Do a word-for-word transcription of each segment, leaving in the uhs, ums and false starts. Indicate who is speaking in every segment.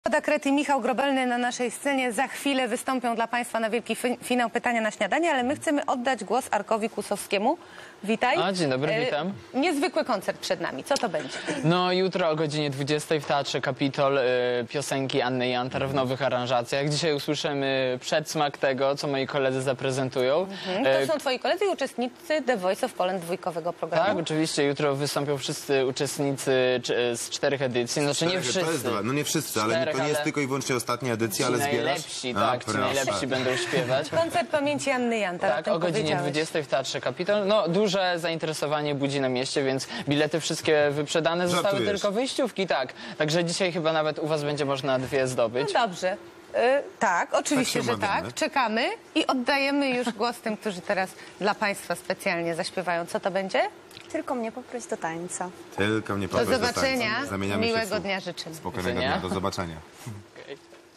Speaker 1: Ada Kret i Michał Grobelny na naszej scenie za chwilę wystąpią dla Państwa na wielki finał Pytania na śniadanie, ale my chcemy oddać głos Arkowi Kłusowskiemu. Witaj.
Speaker 2: A, dzień dobry,
Speaker 1: e,
Speaker 2: witam.
Speaker 1: Niezwykły koncert przed nami. Co to będzie?
Speaker 2: No jutro o godzinie dwudziestej w Teatrze Kapitol y, piosenki Anny Jantar w nowych aranżacjach. Dzisiaj usłyszymy przedsmak tego, co moi koledzy zaprezentują.
Speaker 1: Mhm. To są Twoi koledzy i uczestnicy The Voice of Poland dwójkowego programu.
Speaker 2: Tak, oczywiście. Jutro wystąpią wszyscy uczestnicy czy, z czterech edycji. Znaczy nie wszyscy.
Speaker 3: To jest dwa. No nie wszyscy, ale
Speaker 2: Czterech,
Speaker 3: to nie jest
Speaker 2: ale...
Speaker 3: tylko i wyłącznie ostatnia edycja,
Speaker 2: Ci
Speaker 3: ale zbierasz?
Speaker 2: najlepsi,
Speaker 3: A,
Speaker 2: tak, ci
Speaker 3: proszę.
Speaker 2: najlepsi będą śpiewać.
Speaker 1: Koncert pamięci Anny Jantar.
Speaker 2: Tak, o godzinie dwudziestej w Teatrze Kapitol. No, duże zainteresowanie budzi na mieście, więc bilety wszystkie wyprzedane. Zostały
Speaker 3: Żartujesz.
Speaker 2: tylko wyjściówki, tak. Także dzisiaj chyba nawet u was będzie można dwie zdobyć.
Speaker 1: No dobrze. Y, tak, oczywiście,
Speaker 3: Tak się
Speaker 1: że
Speaker 3: umawiamy.
Speaker 1: tak. Czekamy i oddajemy już głos tym, którzy teraz dla Państwa specjalnie zaśpiewają. Co to będzie?
Speaker 4: Tylko mnie poproś do tańca.
Speaker 3: Tylko mnie
Speaker 1: Do
Speaker 3: poproś
Speaker 1: zobaczenia.
Speaker 3: tańca. Zamieniamy się w
Speaker 1: Miłego
Speaker 3: słów.
Speaker 1: dnia życzymy.
Speaker 3: Spokojnego
Speaker 2: Widzenia.
Speaker 3: dnia, do zobaczenia.
Speaker 2: Okay.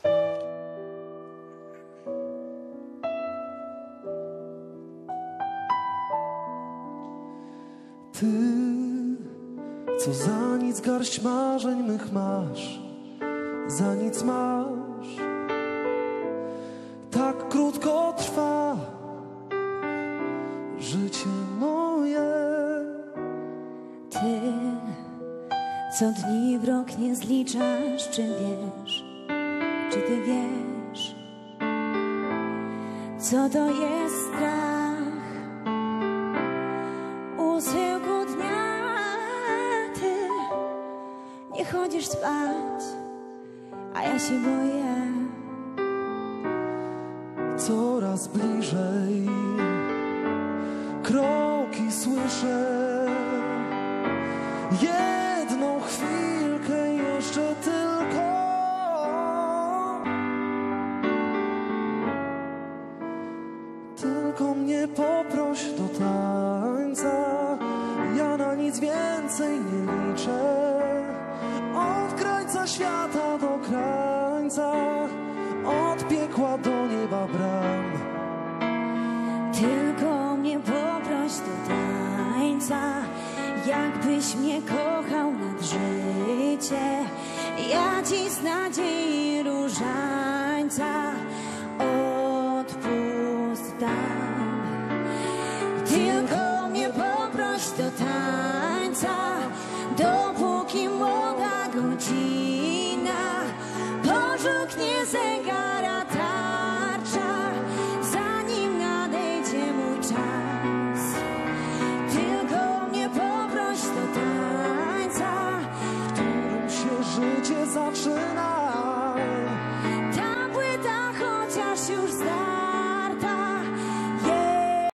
Speaker 5: Ty, co za nic garść marzeń mych masz, za nic masz. Tak krótko trwa życie moje.
Speaker 6: Ty, co dni w rok nie zliczasz, czy wiesz, czy ty wiesz, co to jest strach u schyłku dnia. Ty nie chodzisz spać, a ja się boję.
Speaker 5: Coraz bliżej kroki słyszę. Jedną chwilkę jeszcze tylko. Tylko mnie poproś do tańca. Ja na nic więcej nie liczę. Od krańca świata do krańca, od piekła do nieba bram.
Speaker 6: Tylko mnie poproś do tańca, jakbyś mnie kochał nad życie. Ja ci z nadziei różańca odpust dam. Tylko mnie poproś do tańca, dopóki młoda godzina pożółknie zegar.